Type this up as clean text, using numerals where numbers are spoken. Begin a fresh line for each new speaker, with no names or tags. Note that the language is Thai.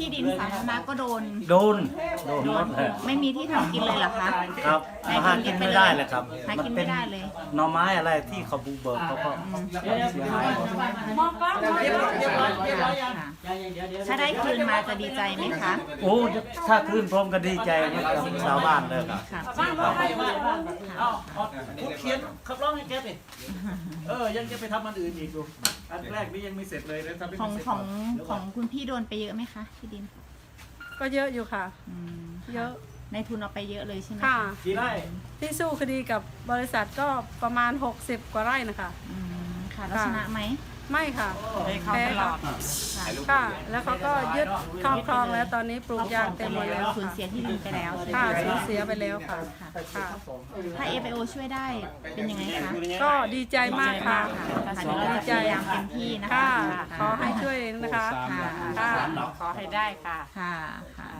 ที่ดินสาธารณะก็โดน
โดนหมดเลย
ไม่มีที่ทำกินเลยเหรอคะ
ครับหากินไม่ได้เลยครับ
หากินไม่ได้เลย
หน่อไม้อะไรที่เขาบุกเบิกเขาก็เสียหายหมด
ถ้าได้คืนมาจะดีใจไหมคะ
โอ้ถ้าขึ้นพร้อมกันดีใจกับชาวบ้านเลยครับ
ค่ะ
คุณเขียนขับร้องให้แกสิยังจะไปทำอันอื่นอีกดูอันแรกนี่ยังไม่เสร็จเลยนะทำไม่
ของ
เสร็จ
ของคุณพี่โดนไปเยอะไหมคะที่ดิน
ก็เยอะอยู่ค่ะ
อืม
เยอะ
ในทุนเอาไปเยอะเลยใช่ไหม
ค่ะ
กี่ไร่
ที่สู้คดีกับบริษัทก็ประมาณ 60 กว่าไร่นะคะ
อืมค่ะแล้วชนะไหม
ไม่ค่ะ
เขาตลอด
ค่ะ แล้วเขาก็ยึดครอบครองแล้วตอนนี้ปลูกยางเต็มหมดแล้ว
สูญ
ค่ะ
เสียที่ดินไปแล้วใช่ไหม
ค่ะสูญเสียไปแล้วค่ะค่ะ
ถ้า FAO ช่วยได้เป็นยังไงคะ
ก็ดีใจมากค่ะ
ค่ะเดี๋ยวเราจะพยายามเต็มที่นะคะ
ค่ะ ขอให้ช่วยนะคะ
ค่ะ
ค่ะ
ขอให้ได้ค่ะ
ค่ะค่ะ